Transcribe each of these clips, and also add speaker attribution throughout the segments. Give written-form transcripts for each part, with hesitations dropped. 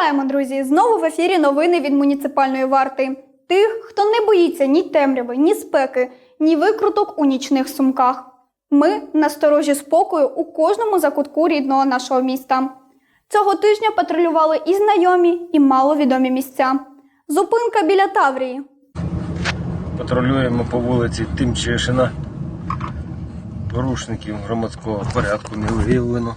Speaker 1: Вітаємо, друзі! Знову в ефірі новини від муніципальної варти. Тих, хто не боїться ні темряви, ні спеки, ні викруток у нічних сумках. Ми на сторожі спокою у кожному закутку рідного нашого міста. Цього тижня патрулювали і знайомі, і маловідомі місця. Зупинка біля Таврії.
Speaker 2: Патрулюємо по вулиці Тимчишина. Порушників громадського порядку не виявлено.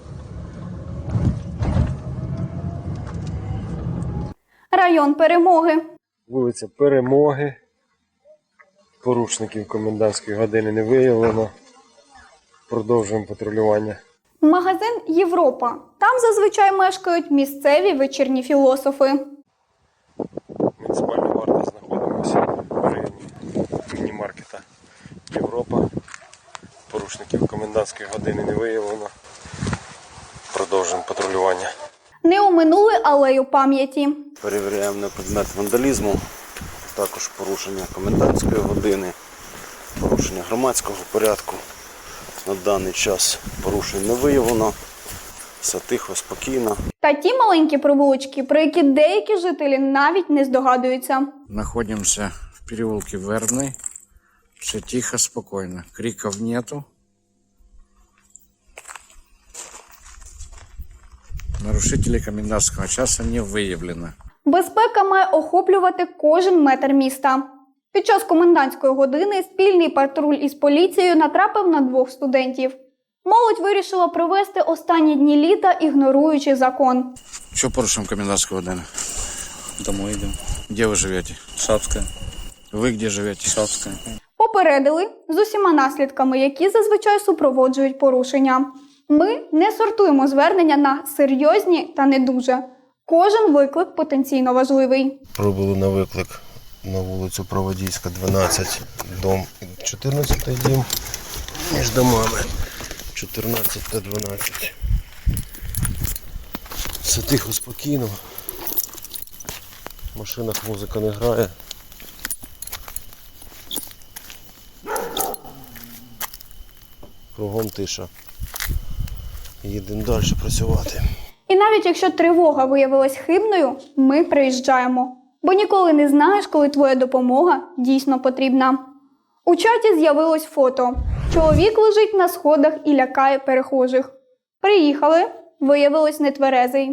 Speaker 1: Район Перемоги.
Speaker 2: Вулиця Перемоги. Порушників комендантської години не виявлено. Продовжуємо патрулювання.
Speaker 1: Магазин Європа. Там зазвичай мешкають місцеві вечірні філософи.
Speaker 2: Муніципальна варта, знаходимося в районі міні-маркета Європа. Порушників комендантської години не виявлено. Продовжуємо патрулювання.
Speaker 1: Не оминули алею пам'яті.
Speaker 3: Перевіряємо на предмет вандалізму, також порушення комендантської години, порушення громадського порядку. На даний час порушень не виявлено, все тихо, спокійно.
Speaker 1: Та ті маленькі провулочки, про які деякі жителі навіть не здогадуються.
Speaker 4: Находимся в переулке Вербный. Все тихо, спокойно. Криков нету. Нарушителей комендантского часа не выявлено.
Speaker 1: Безпека має охоплювати кожен метр міста. Під час комендантської години спільний патруль із поліцією натрапив на двох студентів. Молодь вирішила провести останні дні літа, ігноруючи закон.
Speaker 4: Что порушим комендантскую годину?
Speaker 5: Домой идем.
Speaker 4: Где вы живете?
Speaker 5: Шапская.
Speaker 4: Вы где живете?
Speaker 5: Шапская.
Speaker 1: Попередили з усіма наслідками, які зазвичай супроводжують порушення. Ми не сортуємо звернення на серйозні та не дуже. Кожен виклик потенційно важливий.
Speaker 2: Пробули на виклик на вулицю Проводійська, 12, дом 14 дім, між домами 14 та 12. Все тихо, спокійно. В машинах музика не грає. Кругом тиша. Їдемо далі працювати.
Speaker 1: І навіть якщо тривога виявилась хибною, ми приїжджаємо. Бо ніколи не знаєш, коли твоя допомога дійсно потрібна. У чаті з'явилось фото. Чоловік лежить на сходах і лякає перехожих. Приїхали, виявилось нетверезий.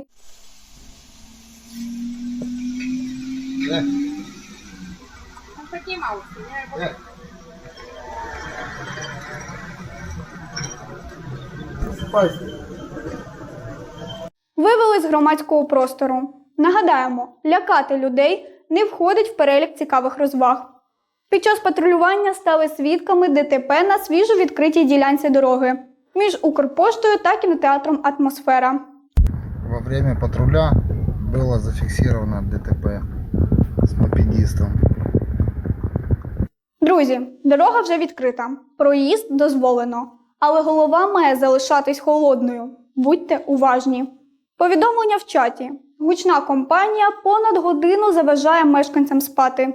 Speaker 1: Вивели з громадського простору. Нагадаємо, лякати людей не входить в перелік цікавих розваг. Під час патрулювання стали свідками ДТП на свіжо відкритій ділянці дороги між Укрпоштою та кінотеатром «Атмосфера».
Speaker 6: Во время патруля было зафиксировано ДТП с мопедистом.
Speaker 1: Друзі, дорога вже відкрита, проїзд дозволено, але голова має залишатись холодною. Будьте уважні. Повідомлення в чаті. Гучна компанія понад годину заважає мешканцям спати.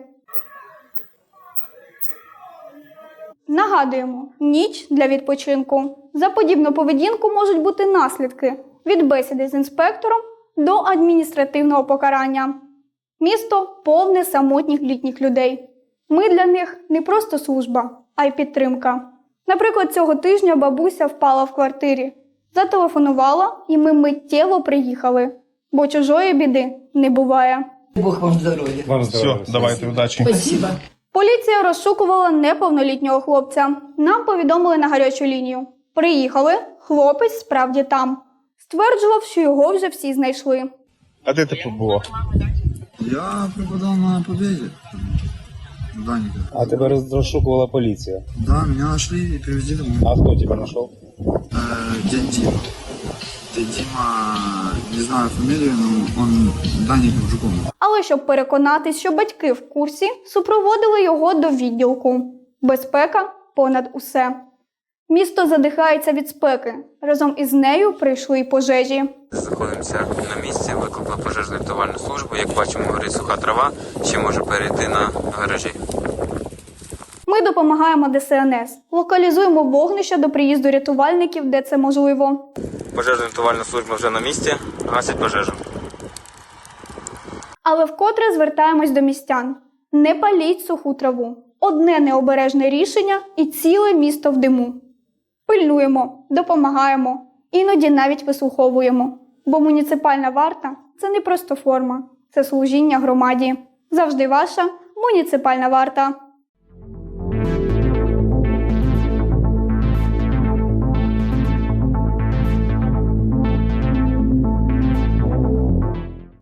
Speaker 1: Нагадуємо, ніч для відпочинку. За подібну поведінку можуть бути наслідки від бесіди з інспектором до адміністративного покарання. Місто повне самотніх літніх людей. Ми для них не просто служба, а й підтримка. Наприклад, цього тижня бабуся впала в квартирі. Зателефонувала, і ми миттєво приїхали. Бо чужої біди не буває.
Speaker 7: Бог вам здоров'я.
Speaker 8: Вам здоров'я. Все, давайте, удачі.
Speaker 7: Спасибо.
Speaker 1: Поліція розшукувала неповнолітнього хлопця. Нам повідомили на гарячу лінію. Приїхали, хлопець справді там. Стверджував, що його вже всі знайшли.
Speaker 8: А де ти побував?
Speaker 6: Я преподал на Победе. Даника.
Speaker 5: А тебя розшукувала полиция.
Speaker 6: Да, меня нашли и привезли домой.
Speaker 5: А кто тебя нашел?
Speaker 6: Дядь Дима. Дядь Дима, не знаю фамилию, но он Даником Жуком.
Speaker 1: Але щоб переконатись, що батьки в курсі, супроводили його до відділку. Безпека понад усе. Місто задихається від спеки. Разом із нею прийшли й пожежі.
Speaker 9: Знаходимося на місці, викликали пожежну рятувальну службу. Як бачимо, горить суха трава, ще може перейти на гаражі.
Speaker 1: Ми допомагаємо ДСНС. Локалізуємо вогнище до приїзду рятувальників, де це можливо.
Speaker 9: Пожежна рятувальна служба вже на місці, гасять пожежу.
Speaker 1: Але вкотре звертаємось до містян. Не паліть суху траву. Одне необережне рішення і ціле місто в диму. Пильнуємо, допомагаємо, іноді навіть вислуховуємо. Бо муніципальна варта – це не просто форма, це служіння громаді. Завжди ваша муніципальна варта.